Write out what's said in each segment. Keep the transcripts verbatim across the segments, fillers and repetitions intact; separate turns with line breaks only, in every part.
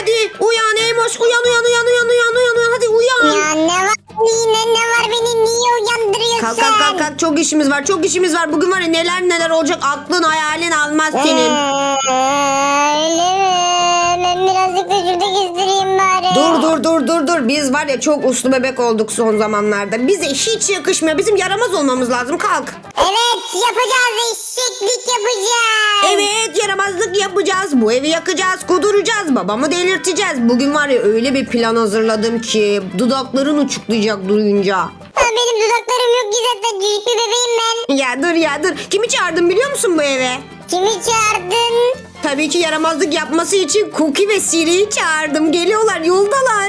hadi uyan Eymoş, uyan uyan uyan uyan uyan uyan uyan hadi uyan.
Ya ne var yine ne var beni niye uyandırıyorsun?
Kalk kalk kalk kalk, çok işimiz var çok işimiz var. Bugün var ya neler neler olacak, aklın hayalin almaz senin.
Ee, öyle mi? Ben birazcık da şurada gezdireyim bari.
Dur dur dur dur dur. Biz var ya çok uslu bebek olduk son zamanlarda. Bize hiç yakışmıyor. Bizim yaramaz olmamız lazım. Kalk.
Evet yapacağız, eşeklik yapacağız.
Evet, yaramazlık yapacağız. Bu evi yakacağız, kuduracağız. Babamı delirteceğiz. Bugün var ya öyle bir plan hazırladım ki dudakların uçuklayacak duyunca.
Ha, benim dudaklarım yok ki zaten, küçük bir bebeğim ben.
Ya dur ya dur. Kimi çağırdım biliyor musun bu eve?
Kimi çağırdın?
Tabii ki yaramazlık yapması için Cookie ve Siri'yi çağırdım. Geliyorlar, yoldalar.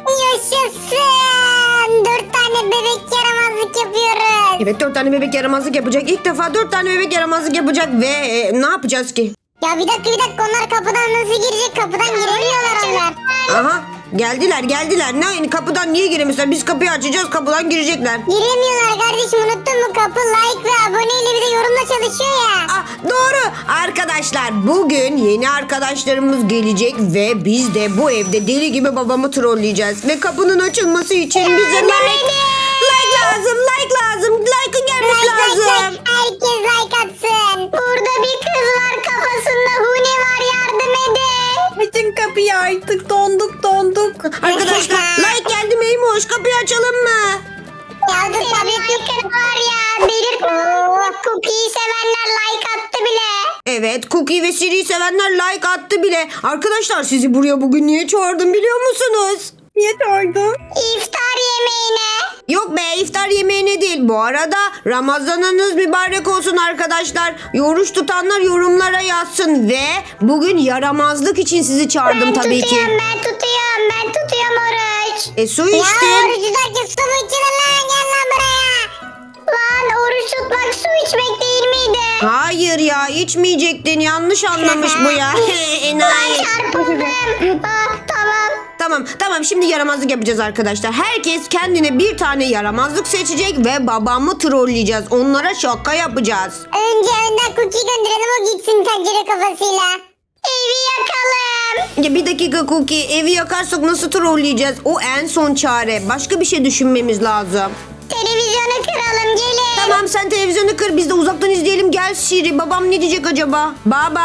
Yaşasın. Dört tane bebek yaramazlık yapıyoruz.
Evet, dört tane bebek yaramazlık yapacak. İlk defa dört tane bebek yaramazlık yapacak ve e, ne yapacağız ki?
Ya bir dakika bir dakika, onlar kapıdan nasıl girecek? Kapıdan giremiyorlar onlar.
Aha, geldiler geldiler. Ne kapıdan niye giremişler? Biz kapıyı açacağız, kapıdan girecekler.
Giremiyorlar kardeşim, unuttun mu? Kapı like ve aboneyle bir de yorumla çalışıyor ya.
Ah, doğru. Arkadaşlar bugün yeni arkadaşlarımız gelecek ve biz de bu evde deli gibi babamı trolleyeceğiz. Ve kapının açılması için bize like, like lazım, like lazım. Like'ın gelmesi
Like, like,
lazım.
like. Herkes like atsın. Burada bir kız var, kafasında huni var, yardım edin.
Açın kapıyı artık, donduk donduk.
Arkadaşlar like geldi mi Eymoş? Kapıyı açalım mı?
Ya dur tabii ki var ya. Belir Cookie'yi sevenler like attı bile.
Evet, Cookie ve Siri'yi sevenler like attı bile. Arkadaşlar sizi buraya bugün niye çağırdım biliyor musunuz?
Niye çağırdın?
İftar yemeğine.
Yok be, iftar yemeğine değil. Bu arada Ramazanınız mübarek olsun arkadaşlar. Oruç tutanlar yorumlara yazsın. Ve bugün yaramazlık için sizi çağırdım
Ben
tabii
tutuyorum,
ki.
ben tutuyorum, ben tutuyorum oruç.
E su
Ya
içtin.
oruç tutarken su mu içilir lan? Gel lan buraya. Lan oruç tutmak su içmek değil miydi?
Hayır ya, içmeyecektin. Yanlış anlamış bu ya. Enayi.
Lan çarpıldım. Ah, tamam.
Tamam tamam, şimdi yaramazlık yapacağız arkadaşlar. Herkes kendine bir tane yaramazlık seçecek ve babamı trolleyeceğiz. Onlara şaka yapacağız.
Önce önden cookie gönderelim, o gitsin tencere kafasıyla. Evi yakalım.
Ya bir dakika Cookie, evi yakarsak nasıl trolleyeceğiz? O en son çare. Başka bir şey düşünmemiz lazım.
Televizyonu kıralım, gelin.
Tamam, sen televizyonu kır, biz de uzaktan izleyelim. Gel Siri, babam ne diyecek acaba? Baba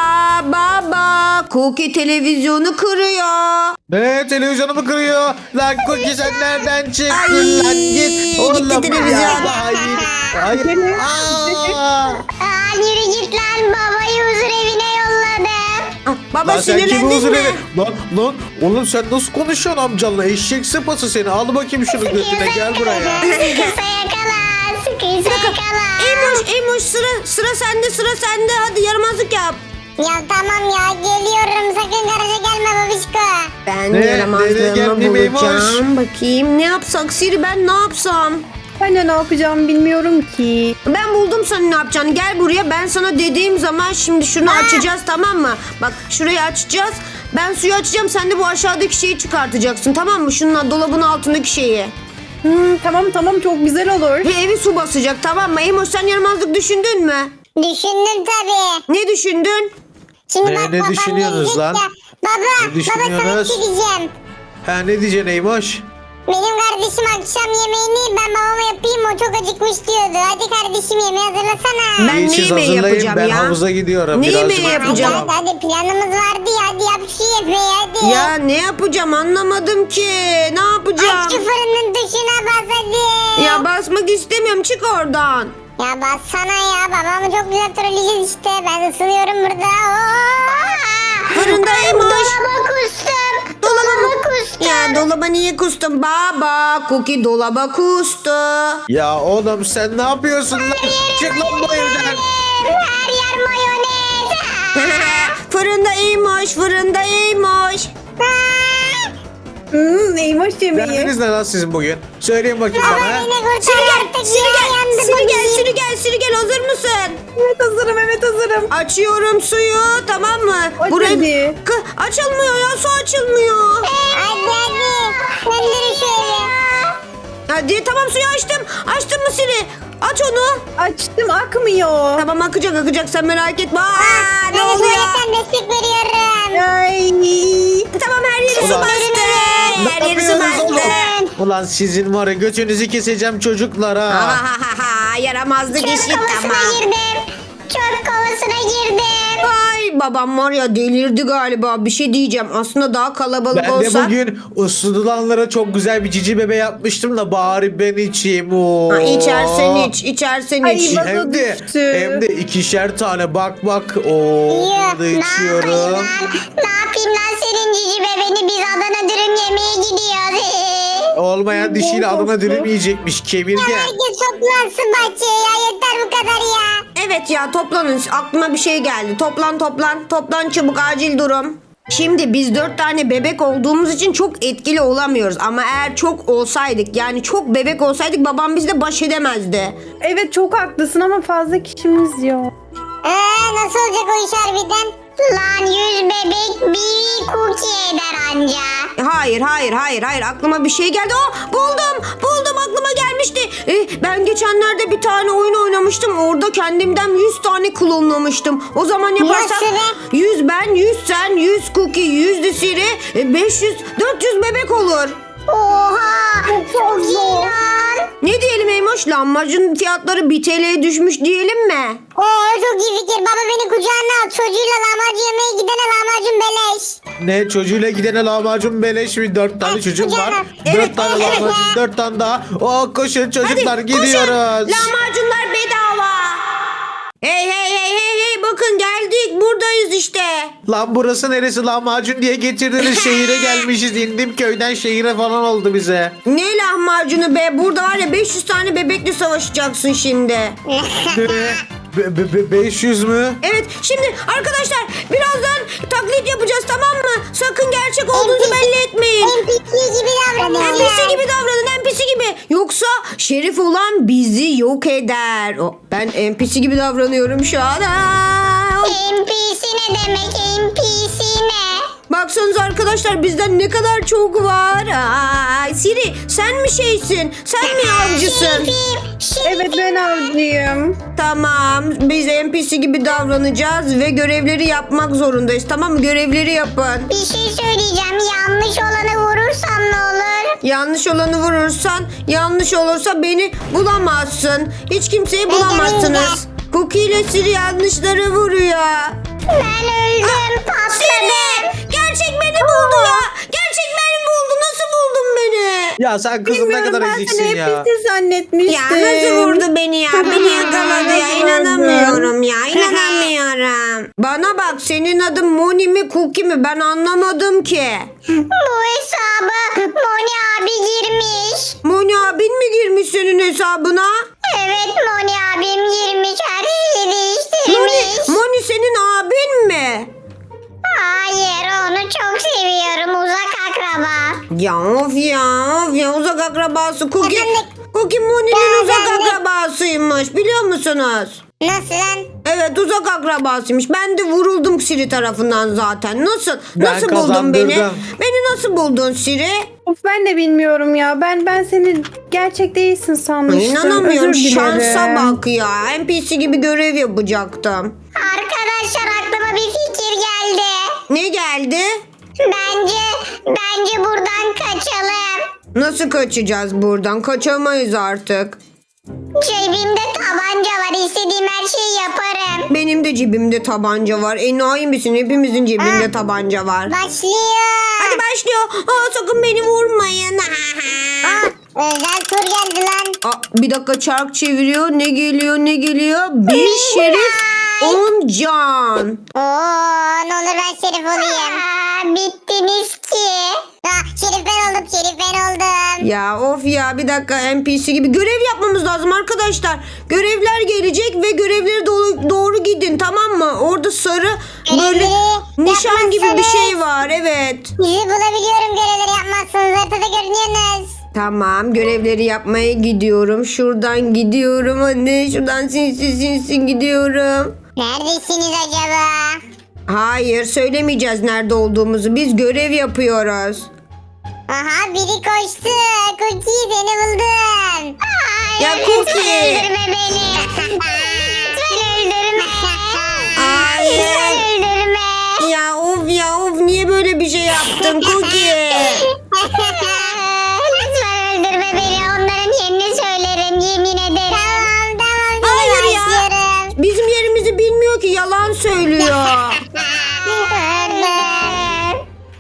baba, Cookie televizyonu kırıyor.
Ne, televizyonumu kırıyor? Lan Cookie sen nereden çıktın
Ay,
lan, git.
gitti
Oğlum
televizyon.
ya, hayır. Hayır. Aa.
Aa, yürü git lan, babayı huzur evine yolladım.
Ah, baba
Lan sen kimi
sinirlendin
huzur
mi?
evi? Lan lan oğlum sen nasıl konuşuyorsun amcanla? Eşek sıpası seni. Al bakayım şunu götüne, gel buraya.
Sıkıysa yakala, sıkıysa yakala.
Eymoş, Eymoş, sıra sıra sende, sıra sende. Hadi yaramazlık yap.
Ya tamam ya, geliyorum, sakın garaja gelme babişko.
Ben
Ne? Nereye
yaramazlığımı
geldim Eymoş?
bulacağım. Bakayım ne yapsak Siri, ben ne yapsam?
Ben de ne yapacağımı bilmiyorum ki.
Ben buldum sana ne yapacağını. Gel buraya, ben sana dediğim zaman şimdi şunu açacağız, tamam mı? Bak şurayı açacağız. Ben suyu açacağım, sen de bu aşağıdaki şeyi çıkartacaksın, tamam mı? Şunun dolabın altındaki şeyi.
Hmm, tamam tamam, çok güzel olur.
Ve evi su basacak, tamam mı? Eymoş, sen yaramazlık düşündün mü?
Düşündüm tabii.
Ne düşündün?
Şimdi
Ne-
bak
ne
babam
düşünüyorsunuz
gelecek
lan?
ya. Baba,
Ne
baba sana bir
düşünüyorsunuz?
şey diyeceğim.
Ha, ne diyeceksin Eymoş?
Benim kardeşim akşam yemeğini ben babama yapayım, o çok acıkmış diyordu. Hadi kardeşim yemeği hazırlasana.
Ben
İyi,
ne
siz
yemeği
hazırlayın,
yapacağım
ben
ya?
havuza gidiyorum.
Ne
Birazcık
yemeği
Hadi
yapacağım?
hadi hadi, planımız vardı ya, hadi yap şu yemeği hadi.
Ya ne yapacağım anlamadım ki. Ne yapacağım?
Aç şu fırının dışına bas hadi.
Ya basmak istemiyorum, çık oradan.
Ya bassana ya, babamı çok güzel trolleyeceğiz işte. Ben ısınıyorum burada. Oo!
Fırındayım, hoş.
Dolaba kustum. Dolaba kustum.
Ya dolaba niye kustun baba? Cookie dolaba kustu.
Ya oğlum sen ne yapıyorsun lan? Çık lan bu evden.
Her yer mayonez.
Fırındaymış, fırındaymış.
Hmm, neymiş yemeği?
Derdiniz ne lan sizin bugün? Söyleyin bakayım
Baba
bana.
beni kurtar
Siri gel,
artık
Siri
ya,
gel,
yandı
Siri gel,
bugün.
Siri gel, Siri gel. Hazır mısın?
Evet hazırım, evet hazırım.
Açıyorum suyu, tamam mı?
Aç hadi.
Kı- açılmıyor ya, su açılmıyor.
Hadi hadi. Söndürün şöyle.
Hadi tamam, suyu açtım. Açtın mı Siri? Aç onu.
Açtım, akmıyor.
Tamam, akacak akacak, sen merak etme. Aa,
Ben
ne
de
oluyor?
tuvaletten destek veriyorum.
Ay.
Tamam, her yeri su
Ulan.
bastı.
Ne
Her yeri su
yapıyorsunuz
bastı.
oğlum? Ulan sizin var ya götünüzü keseceğim çocuklar
Ha
ha.
ha ha ha yaramazlık
Çöp
işi
kovasına
tamam.
girdim. Çöp kovasına girdim.
Ay babam var ya delirdi galiba. Bir şey diyeceğim. Aslında daha kalabalık
Ben
olsa.
de bugün ısıtılanlara çok güzel bir cici bebe yapmıştım da bari ben içeyim. Oo.
Ha, içersen iç, içersen
Ay,
iç.
bak-
Hem de,
düştü.
hem de ikişer tane bak bak. Oo,
Yuh,
da
ne yapayım
içiyorum.
lan? Ne yapayım lan senin cici bebeni biz Adana dürüm yemeye gidiyoruz.
Olmayan dişiyle
Bol
adına
olsun.
dürüm yiyecekmiş kemirgen.
Herkes toplansın bahçeye ya yeter bu kadar ya.
Evet ya toplanın. Aklıma bir şey geldi. Toplan toplan. Toplan çabuk acil durum. Şimdi biz dört tane bebek olduğumuz için çok etkili olamıyoruz. Ama eğer çok olsaydık yani çok bebek olsaydık babam bizle baş edemezdi.
Evet çok haklısın ama fazla kişimiz yok.
Eee nasıl olacak o iş harbiden? Lan yüz bebek bir cookie eder anca.
Hayır hayır hayır hayır aklıma bir şey geldi. Oh buldum buldum aklıma gelmişti. Eh, ben geçenlerde bir tane oyun oynamıştım. Orada kendimden yüz tane klonlamıştım. O zaman yaparsak
Nasıl be?
yüz ben yüz sen yüz cookie yüz de Siri e, beş yüz dört yüz bebek olur.
Oha çok iyi lan.
Ne diyelim Eymoş? Lahmacun fiyatları bir T L'ye düşmüş diyelim mi?
Oo çok iyi fikir. Baba beni kucağına al. Çocuğuyla lahmacun yemeye gidene lahmacun beleş.
Ne çocuğuyla gidene lahmacun beleş mi? Dört tane
Evet,
çocuğum var.
canım.
Dört
Evet,
tane
evet.
lahmacun, dört tane daha. Oh koşun çocuklar
Hadi
gidiyoruz.
koşun. Lahmacunlar bedava. Hey hey hey hey hey bakın geldik buradayız işte.
Lan burası neresi lahmacun diye getirdiniz şehire gelmişiz. İndim köyden şehire falan oldu bize.
Ne lahmacunu be burada var ya beş yüz tane bebekle savaşacaksın şimdi.
Ne? Be- be- be- beş yüz mü?
Evet şimdi arkadaşlar birazdan taklit yapacağız tamam mı? Sakın gerçek olduğunuzu belli etmeyin.
N P C gibi davranıyor.
N P C gibi davranın N P C gibi. Yoksa şerif olan bizi yok eder. O, ben N P C gibi davranıyorum şu an. Aa!
N P C ne demek? N P C ne?
Baksanıza arkadaşlar bizden ne kadar çok var. Aa, Siri sen mi şeysin? Sen mi avcısın?
Şerifim. Şerifim.
Evet ben avcıyım.
Tamam biz N P C gibi davranacağız ve görevleri yapmak zorundayız tamam mı? Görevleri yapın.
Bir şey söyleyeceğim. Yanlış olanı vurursam ne olur?
Yanlış olanı vurursan yanlış olursa beni bulamazsın. Hiç kimseyi bulamazsınız. Cookie ile Siri yanlışları vuruyor.
Ben öldüm. Patladım.
Siri gerçek beni buldu ya. Gerçek beni buldu. Nasıl buldun beni?
Ya sen kızım ne
Bilmiyorum
kadar
ben
eziksin
seni
ya.
N P C zannetmiştim.
Ya nasıl vurdu beni ya? Beni yakaladı ya.
Nasıl
İnanamıyorum ya. İnanamıyorum. Bana bak senin adın Moni mi Cookie mi? Ben anlamadım ki.
Bu hesabı Moni abi girmiş.
Moni abin mi girmiş senin hesabına?
Evet Moni abim girmiş. Her şeyi
Moni,
değiştirmiş.
Moni senin abin mi?
Hayır onu çok seviyorum. Uzak akraba.
Ya of ya of ya uzak akrabası Cookie.
Efendim?
Cookie Moni'nin uzak
Efendim?
akrabasıymış biliyor musunuz?
Nasıl lan?
Evet uzak akrabasıymış. Ben de vuruldum Siri tarafından zaten. Nasıl?
Ben
Nasıl buldun beni?
kazandırdım.
Beni nasıl buldun Siri?
Of ben de bilmiyorum ya. Ben ben seni gerçek değilsin sanmıştım.
İnanamıyorum
Özür
şansa
dilerim.
bak ya. N P C gibi görev yapacaktım.
Arkadaşlar aklıma bir fikir geldi.
Ne geldi?
Bence bence buradan kaçalım.
Nasıl kaçacağız buradan? Kaçamayız artık.
Cebimde tabanca var. İstediğim her şeyi yaparım.
Benim de cebimde tabanca var. Enayi misin? Hepimizin cebinde
Ha.
tabanca var.
Başlıyor.
Hadi başlıyor. Aa, sakın beni vurmayın.
Aa, özel tur geldi lan.
Aa, bir dakika çark çeviriyor. Ne geliyor ne geliyor? Bir şerif on can.
Oo, ne olur ben şerif olayım. Aa, bittiniz ki. Ha, şerif ben oldum, şerif ben oldum.
Ya of ya bir dakika N P C gibi görev yapmamız lazım arkadaşlar. Görevler gelecek ve görevlere doğru, doğru gidin tamam mı? Orada sarı böyle
Görevleri
nişan gibi bir
yapmazsanız-
şey var evet.
Sizi bulabiliyorum görevleri yapmazsanız. Haritada görünüyorsunuz.
Tamam görevleri yapmaya gidiyorum. Şuradan gidiyorum anne. Şuradan sinsi sinsi gidiyorum.
Neredesiniz acaba?
Hayır söylemeyeceğiz nerede olduğumuzu. Biz görev yapıyoruz.
Aha biri koştu. Cookie seni buldum. Hayır,
Ya
lütfen
Cookie.
öldürme beni. Lütfen öldürme.
Hayır.
Lütfen öldürme.
Ya of ya of niye böyle bir şey yaptın Cookie?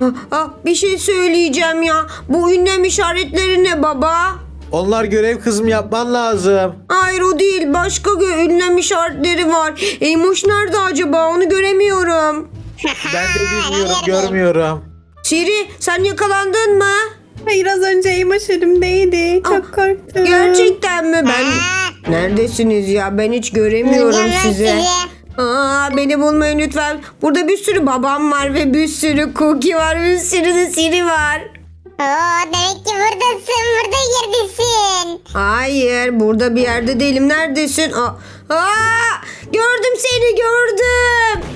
Ah, ah, bir şey söyleyeceğim ya. Bu ünlem işaretleri ne baba?
Onlar görev kızım, yapman lazım.
Hayır o değil. Başka gö- ünlem işaretleri var. Eymoş nerede acaba? Onu göremiyorum.
Ben de bilmiyorum, görmüyorum.
Siri sen yakalandın mı?
Hayır, az önce Eymoş elimdeydi. Çok
Ah,
korktum.
Gerçekten mi? Ben
Aa,
neredesiniz ya? Ben hiç göremiyorum
bulacağım ben
sizi.
sizi.
Aa, beni bulmayın lütfen. Burada bir sürü babam var ve bir sürü Cookie var. Bir sürü de Siri var.
Oo, demek ki buradasın. Burada yerdesin.
Hayır burada bir yerde değilim. Neredesin? Aa, aa, gördüm seni gördüm.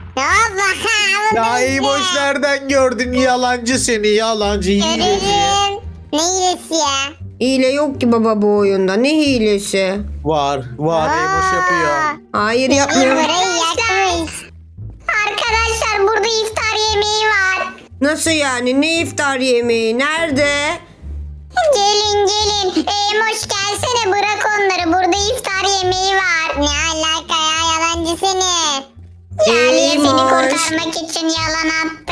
Allah.
Ya iyi boş nereden gördün? Yalancı seni, yalancı. hileci.
Görürüm. Ne iyisi ya?
Hile yok ki baba bu oyunda. Ne hilesi?
Var, var. İyi boş yapıyor.
Hayır
Burayı
yapmıyorum.
yakmış. Arkadaşlar burada iftar yemeği var.
Nasıl yani? Ne iftar yemeği? Nerede?
Gelin gelin. Eymoş gelsene bırak onları. Burada iftar yemeği var. Ne alaka ya yalancı seni. Yaliye seni
Eymoş.
kurtarmak için yalan attı.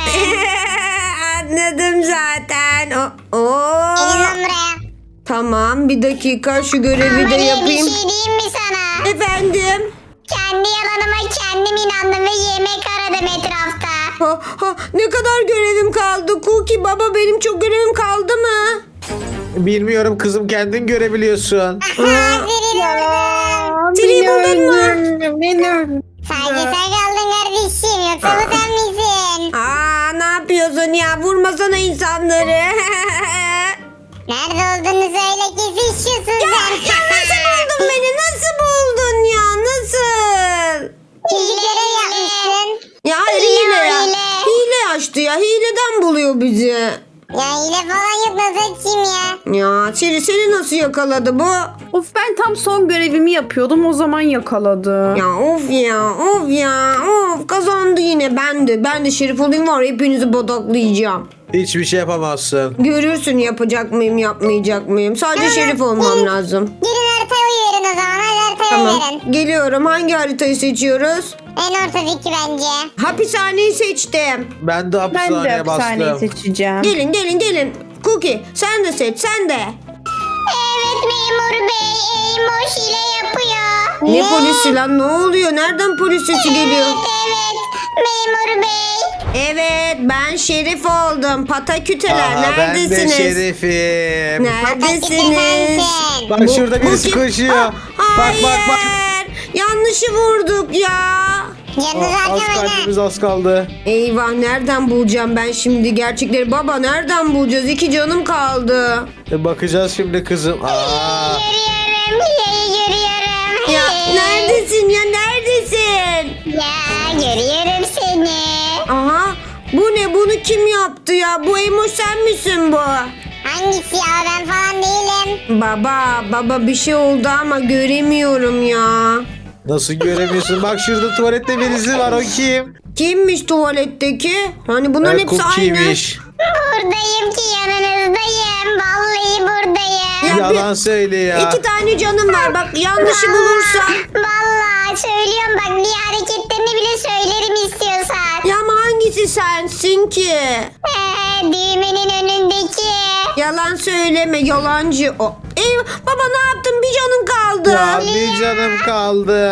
Anladım zaten. O, oo.
Gelin lan buraya.
Tamam bir dakika şu görevi de
Ama ne,
yapayım.
bir şey diyeyim mi sana?
Efendim?
Kendi yalanıma kendim inandım ve yemek aradım etrafta.
Ha, ha, ne kadar görevim kaldı? Cookie baba benim çok görevim kaldı mı?
Bilmiyorum kızım, kendin görebiliyorsun.
Aha Siri gördüm.
Aa,
Siri
beni
buldun mu?
öldürdün, Beni öldürdün.
Sadece sen kaldın kardeşim. Yoksa bu sen misin?
Aa ne yapıyorsun ya? Vurmasana insanları.
Nerede olduğunu söyle kesin şusun
ya,
sen.
ya nasıl buldun beni? Nasıl buldun ya? Nasıl?
İyi görev yapmışsın.
Ya hayır
Hile,
hile ya.
hile.
Hile açtı ya. Hileden buluyor bizi.
Ya hile falan yok nasıl açayım ya?
Ya Siri seni nasıl yakaladı bu?
Of, ben tam son görevimi yapıyordum, o zaman yakaladı.
Ya of ya of ya of kazandı yine ben de. Ben de Şerif olayım var ya, hepinizi bodaklayacağım.
Hiçbir şey yapamazsın.
Görürsün yapacak mıyım yapmayacak mıyım. Sadece Şerif olmam lazım.
Gelin haritaya oy verin o zaman. Hadi haritaya
Tamam
oy verin.
geliyorum. Hangi haritayı seçiyoruz?
En ortadaki bence.
Hapishaneyi seçtim.
Ben de
Ben de
hapishaneye
hapishaneyi
bastım.
seçeceğim.
Gelin gelin gelin. Cookie sen de seç sen de.
Evet memur bey. Eymoş ile yapıyor.
Ne polisi lan ne oluyor? Nereden polis sesi geliyor?
Evet memur bey.
Evet ben Şerif oldum. Pataküteler
Aa, ben de
neredesiniz?
şerifim.
Neredesiniz?
Sensin.
Bak
Bu-
şurada birisi
bu kim?
koşuyor.
Ah,
Bak bak bak.
hayır. Yanlışı vurduk ya.
Canınız
Aa, az
arkamayın ha.
kalbimiz az kaldı.
Eyvah nereden bulacağım ben şimdi gerçekleri? Baba nereden bulacağız? İki canım kaldı.
E, bakacağız şimdi kızım. Aa,
Görüyorum. Hileyi görüyorum.
Ya
Hey.
neredesin ya neredesin?
Ya görüyorum seni.
Aha bu ne bunu kim yaptı ya? Bu Emo sen misin bu?
Hangisi ya ben falan değilim.
Baba baba bir şey oldu ama göremiyorum ya.
nasıl göremiyorsun? Bak şurada tuvalette birisi var, o kim?
Kimmiş tuvaletteki? Hani bunların
Ee,
hepsi aynı.
Cookie'miş.
Buradayım ki yanınızdayım. Vallahi buradayım.
Ya bir-
Yalan söyle ya.
İki tane canım var bak yanlışı bulursam.
Vallahi söylüyorum bak bir hareketlerini bile söylerim istiyorsan.
Ya ama hangisi sensin ki?
Ee, düğmenin önündeki.
Yalan söyleme yalancı o. Eyvah baba ne yaptın bir canın kaldı.
Ya bir canım kaldı.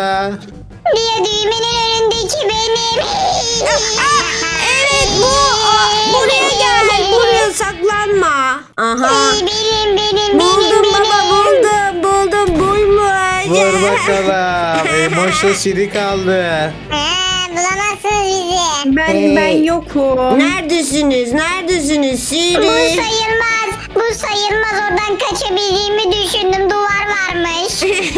Bir düğmenin önündeki benim.
Aa, evet bu o, buraya gel buraya saklanma. Aha.
Ay, benim benim
Buldum
benim
baba
benim.
buldum buldum buymuş.
Vur bakalım. Emoşla Siri kaldı.
Ha, bulamazsınız bizi.
Ben
Hey.
ben yokum.
Neredesiniz neredesiniz
Bu
Siri?
sayılmaz. Bu sayılmaz. Oradan kaçabildiğimi düşündüm. Duvar varmış.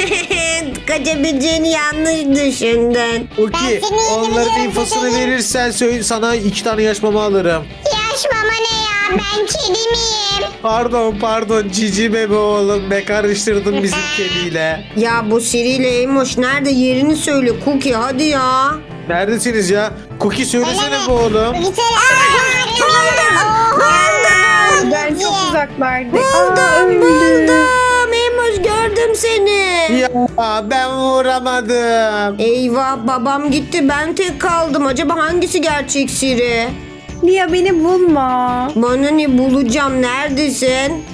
Kaçabileceğini yanlış düşündün.
Uki,
Ben seni
onların
yemin
infosunu
ediyorum.
verirsen söyle, sana iki tane yaş mama alırım.
Yaş mama ne ya? Ben kedi miyim?
Pardon pardon cici bebe oğlum be, karıştırdın bizim kediyle.
Ya bu Siri ile Emoş nerede yerini söyle Cookie hadi ya.
Neredesiniz ya? Cookie söylesene
Öyle
bu oğlum.
Bir tane buldum.
Ben çok uzaklardayım.
Buldum
Aa, öldü.
buldum. Emoş gördüm seni.
Ya ben vuramadım.
Eyvah babam gitti ben tek kaldım. Acaba hangisi gerçek Siri?
Lia beni bulma.
Bana ne bulacağım? Neredesin?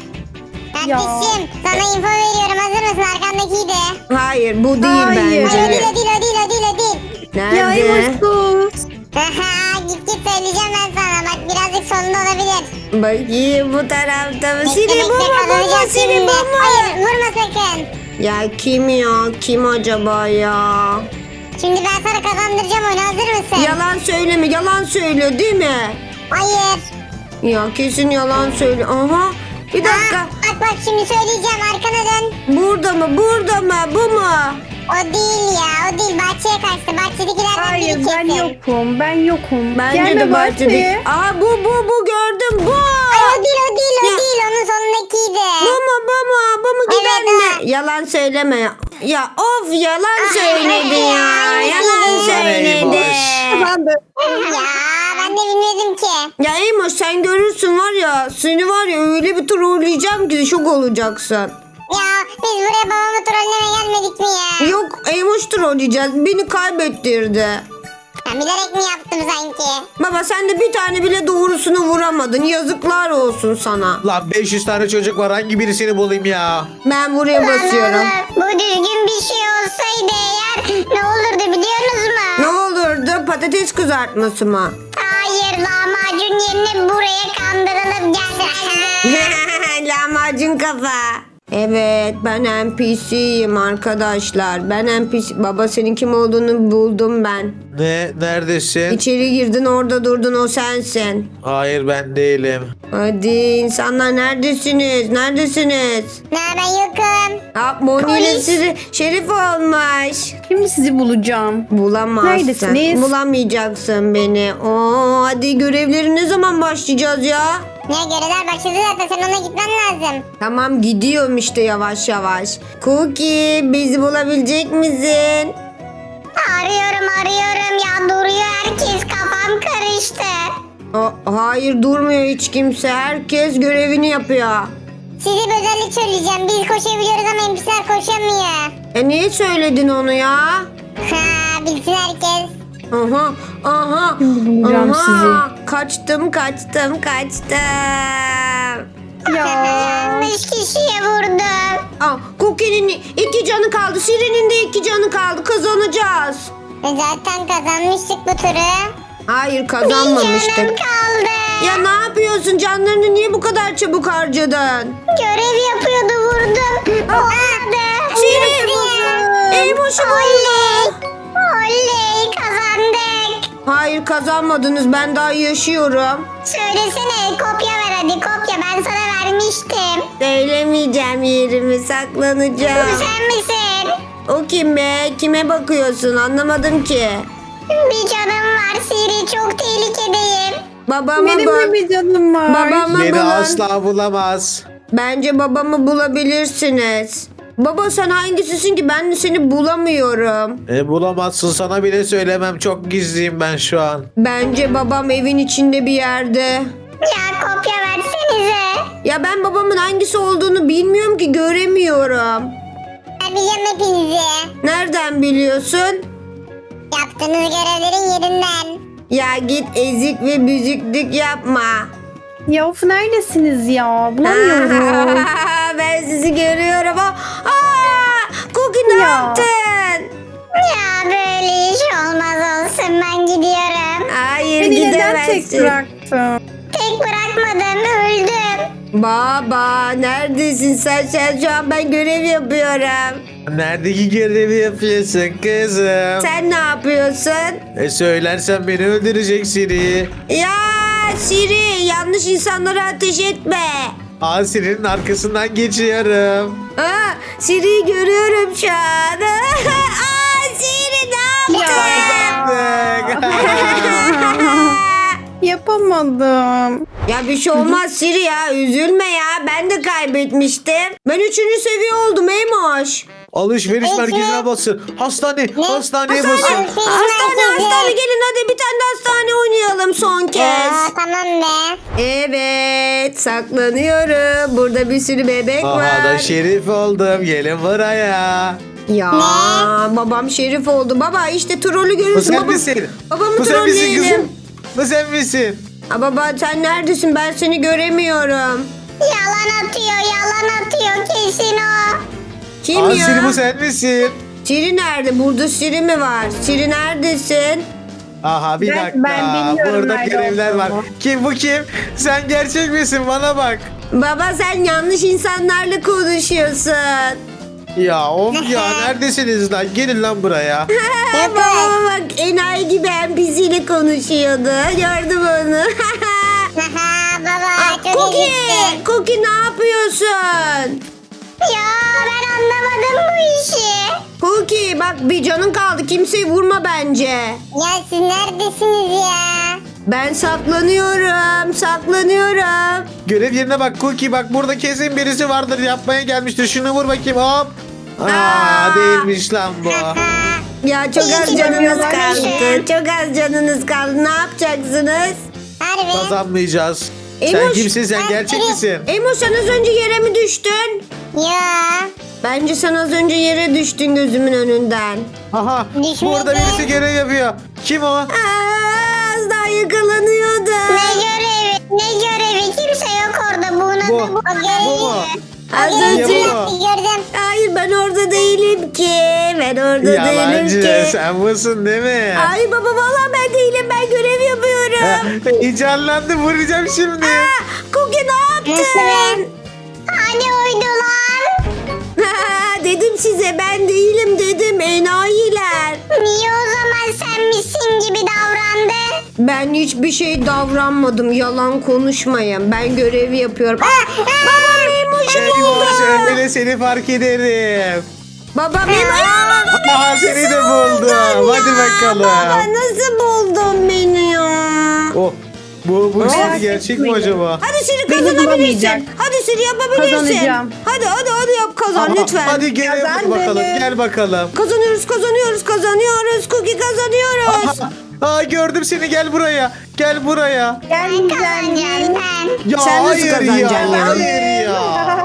Kardeşim sana info veriyorum. Hazır mısın? Arkandakiydi.
Hayır bu değil
Hayır.
Hayır o değil
bence.
o değil o değil o değil o değil.
Ya
Nerede?
Emoş sus.
Aha, git git söyleyeceğim ben sana. Bak birazcık sonunda olabilir.
Bakayım bu tarafta mı?
Bekle,
Siri
bekle,
bu mu? Bu mu?
kazanacağız
Siri
şimdi.
bu mu?
Hayır vurma sakın.
Ya kim ya? Kim acaba ya?
Şimdi ben sana kazandıracağım oyunu. Hazır mısın?
Yalan söyleme. Yalan söylüyor değil mi?
Hayır.
Ya kesin yalan söylüyor. Aha. Bir dakika.
Ha, bak bak şimdi söyleyeceğim. Arkana dön.
Burada mı? Burada mı? Bu mu?
O değil ya. O değil. Bahçeye kaçtı. Bahçedekilerden
Hayır
biri
ben
kesin.
yokum. Ben yokum.
Bence
Gelme
de bahçede.
bahçeye.
Aa bu bu bu gördüm bu.
Ay o değil o değil o
Ya.
değil. Onun sonundakiydi.
Bu mu bu mu? Bu mu giden
Evet,
mi? Yalan söyleme. Ya of yalan
Ah,
söyledi ya.
ya,
Yalan
ya.
söyledi.
Kazandı.
Ya ben de bilmiyordum ki.
Ya Emoş sen görürsün var ya. Seni var ya öyle bir trolleyeceğim ki şok olacaksın.
Ya biz buraya babamı trollemeye gelmedik mi ya?
Yok Emoş trolleyeceğiz. Beni kaybettirdi.
Ben bilerek mi yaptım sanki?
Baba sen de bir tane bile doğrusunu vuramadın. Yazıklar olsun sana.
Lan beş yüz tane çocuk var. Hangi birisini bulayım ya?
Ben buraya basıyorum.
Lan oğlum, bu düzgün bir şey olsaydı eğer ne olurdu biliyorsunuz
Ne
mu?
olurdu? Patates kızartması mı?
Hayır lahmacun yerine buraya kandırılıp gelseydi.
Lahmacun kafa. Evet ben N P C'yim arkadaşlar. Ben N P C. Baba senin kim olduğunu buldum ben.
Ne? Neredesin?
İçeri girdin orada durdun o sensin.
Hayır ben değilim.
Hadi insanlar neredesiniz? Neredesiniz?
Ne ben yokum.
Ha, Moni ile
Polis.
sizi şerif olmuş.
Şimdi sizi bulacağım.
Bulamazsın.
Neredesiniz?
Bulamayacaksın beni. Oo, hadi görevleri ne zaman başlayacağız ya?
Ne görevler başladı zaten sen ona gitmen lazım.
Tamam gidiyorum işte yavaş yavaş. Cookie bizi bulabilecek misin?
Arıyorum arıyorum ya duruyor herkes kafam karıştı.
O, hayır durmuyor hiç kimse. Herkes görevini yapıyor.
Size bir özellik söyleyeceğim. Biz koşabiliyoruz ama N P C'ler koşamıyor.
E niye söyledin onu ya?
Ha bilsin herkes.
Aha, aha,
Bulacağım
aha. Kaçtım, kaçtım, kaçtım.
Ya.
Yanlış kişiye vurdum.
Aa, Cookie'nin iki canı kaldı. Siri'nin de iki canı kaldı. Kazanacağız.
E Zaten kazanmıştık bu turu.
Hayır
Bir
kazanmamıştık.
canım kaldı.
Ya ne yapıyorsun? Canlarını niye bu kadar çabuk harcadın?
Görev yapıyordu vurdum. Olmadı.
Siri! Eymoş'u buldu.
Oley kazandık.
Hayır kazanmadınız. Ben daha yaşıyorum.
Söylesene kopya ver hadi kopya ben sana vermiştim.
Söylemeyeceğim yerimi.
Bu
Saklanacağım.
sen misin?
O kim be? Kime bakıyorsun? Anlamadım ki.
Bir canım var Siri çok tehlikedeyim.
Babama
Benim de
bak.
bir canım var.
Babama
Beni
bulun.
asla bulamaz.
Bence babamı bulabilirsiniz. Baba sen hangisisin ki? Ben de seni bulamıyorum.
E, bulamazsın, sana bile söylemem. Çok gizliyim ben şu an.
Bence babam evin içinde bir yerde.
Ya kopya versenize.
Ya ben babamın hangisi olduğunu bilmiyorum ki göremiyorum.
Ben biliyorum hepinizi.
Nereden biliyorsun?
Yaptığınız görevlerin yerinden.
Ya git ezik ve büzüklük yapma.
Ya of neredesiniz ya? Bulamıyorum.
Ben sizi görüyorum. Aa, aa, Cookie ne
Ya.
yaptın?
Ya böyle iş olmaz olsun ben gidiyorum.
Hayır
Beni neden tek
gidemezsin.
bıraktın?
Tek bırakmadım öldüm.
Baba neredesin sen? Sen şu an ben görev yapıyorum.
Neredeki görevi yapıyorsun kızım?
Sen ne yapıyorsun?
E söylersen beni öldüreceksin.
Ya Siri yanlış insanlara ateş etme.
Asirin arkasından geçiyorum.
Aa, Siri'yi görüyorum şu an. Aa, Siri ne yaptın?
Yapamadım.
Ya bir şey olmaz Siri ya üzülme ya ben de kaybetmiştim. Ben üçüncü seviye oldum Eymoş.
Alışveriş
Peki.
merkezine basın. Hastane, hastaneye basın.
Hastane, hastane hastane gelin hadi bir tane de hastane oynayalım son kez.
Aa, tamam be.
Evet saklanıyorum. Burada bir sürü bebek
Aha
var.
da şerif oldum. Gelin buraya.
Ya babam şerif oldu. Baba işte trolü
Bu
görürsün.
sen
Baba,
misin?
babamı
Bu sen misin
trolleyelim.
kızım? Bu sen misin?
Aa, baba sen neredesin? Ben seni göremiyorum.
Yalan atıyor, yalan atıyor kesin o.
Kim
Aa,
ya?
Siri bu sen misin?
Siri nerede? Burada Siri mi var? Siri neredesin?
Aha bir
Ben-
dakika.
ben bilmiyorum
Burada
nerede
görevler var.
olduğunu.
Kim bu kim? Sen gerçek misin? Bana bak.
Baba sen yanlış insanlarla konuşuyorsun.
Ya of ya neredesiniz lan? Gelin lan buraya.
Baba bak enayi gibi N P C ile konuşuyordu. Gördüm onu.
Haha, baba
Aa,
çok
Cookie,
iyisin.
Cookie ne yapıyorsun?
Ya ben anlamadım bu işi.
Cookie bak bir canın kaldı. Kimseyi vurma bence.
Ya siz neredesiniz ya?
Ben saklanıyorum. Saklanıyorum.
Görev yerine bak Cookie, bak burada kesin birisi vardır, yapmaya gelmiştir. Şunu vur bakayım, hop. Aa,
Aa.
değilmiş lan bu.
Ya çok
İyi
az
ki
canınız
demiyorlar
kaldı.
işte.
Çok az canınız kaldı. Ne yapacaksınız?
Harbi.
Kazanmayacağız. Sen
Emoş,
kimsin, sen
ben
gerçek
biri-
misin?
Emo sen az önce yere mi düştün?
Ya.
Bence sen az önce yere düştün gözümün önünden.
Aha,
Düşmedi.
burada birisi görev yapıyor. Kim o?
Aa, az daha yakalanıyordu.
Ne görevi? Ne görevi? Kimse yok orada. Buna
Bu.
da bu. O görevi.
Bu mu?
Az
O görevi
önce...
bu.
yaptı, gördüm.
Hayır ben orada değilim ki. Ben orada değilim
Yalancı,
ki.
sen busun değil mi?
Ay baba vallahi ben değilim. Ben görev yapıyorum.
Heyecanlandı, vuracağım şimdi.
Aa, Cookie ne
Nasıl
yaptın?
Hani uydular?
Ha, dedim size ben değilim dedim enayiler.
Niye o zaman sen misin gibi davrandın?
Ben hiçbir şey davranmadım. Yalan konuşmayın. Ben görevi yapıyorum. Aa, babam Emoş'u buldu.
Eyvah, öyle seni fark ederim.
Babam Emoş'u
Aha, seni de buldum. Hadi bakalım.
Baba nasıl buldun beni ya?
Oh, bu, bu
Merak
Siri gerçek mi
etmeyin.
acaba?
Hadi Siri
Beni
kazanabilirsin.
bulamayacak.
Hadi Siri yapabilirsin.
Kazanacağım.
Hadi hadi hadi yap kazan
Aha,
lütfen.
Hadi gel
Kazandım.
bakalım, gel bakalım.
Kazanıyoruz kazanıyoruz kazanıyoruz. Cookie kazanıyoruz.
Aa, gördüm seni, gel buraya. Gel buraya.
Ben kazanacağım ben.
Ya
Sen nasıl
hayır
kazanacaksın
ya,
ya?
hayır ya.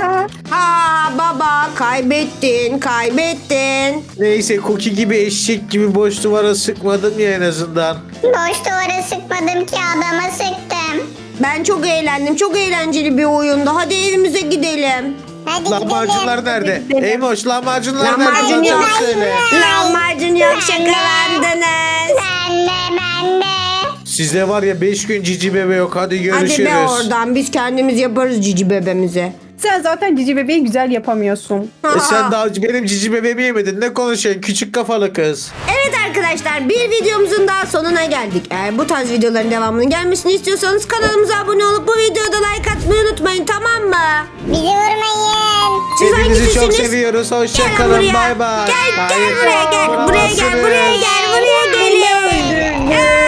Ha baba kaybettin kaybettin.
Neyse, Cookie gibi eşek gibi boş duvara sıkmadım ya en azından.
Boş duvara sıkmadım ki adama sıktım.
Ben çok eğlendim. Çok eğlenceli bir oyundu. Hadi evimize gidelim.
Hadi
Lahmacunlar
gidelim.
nerede?
gidelim.
Eymoş, lahmacunlar nerede?
Lahmacun
Bana
yok.
çabuk söyle.
Lahmacun yok şakalandınız.
Ben de ben de.
Sizde var ya beş gün cici bebe yok. Hadi görüşürüz.
Hadi be oradan. Biz kendimiz yaparız cici bebemizi.
Sen zaten cici bebeği güzel yapamıyorsun.
E sen daha benim cici bebeğimi yemedin. Ne konuşuyorsun küçük kafalı kız?
Evet arkadaşlar bir videomuzun daha sonuna geldik. Eğer bu tarz videoların devamının gelmesini istiyorsanız kanalımıza abone olup bu videoda like atmayı unutmayın, tamam mı?
Bizi vurmayın.
Siz
Hepinizi çok
hangisisiniz?
seviyoruz.
Gelin
Hoşçakalın.
buraya.
Bay bay.
Gel gel
Hayır.
buraya gel. Buraya gel. Buraya gel. Buraya gelin.
Öldürdüm.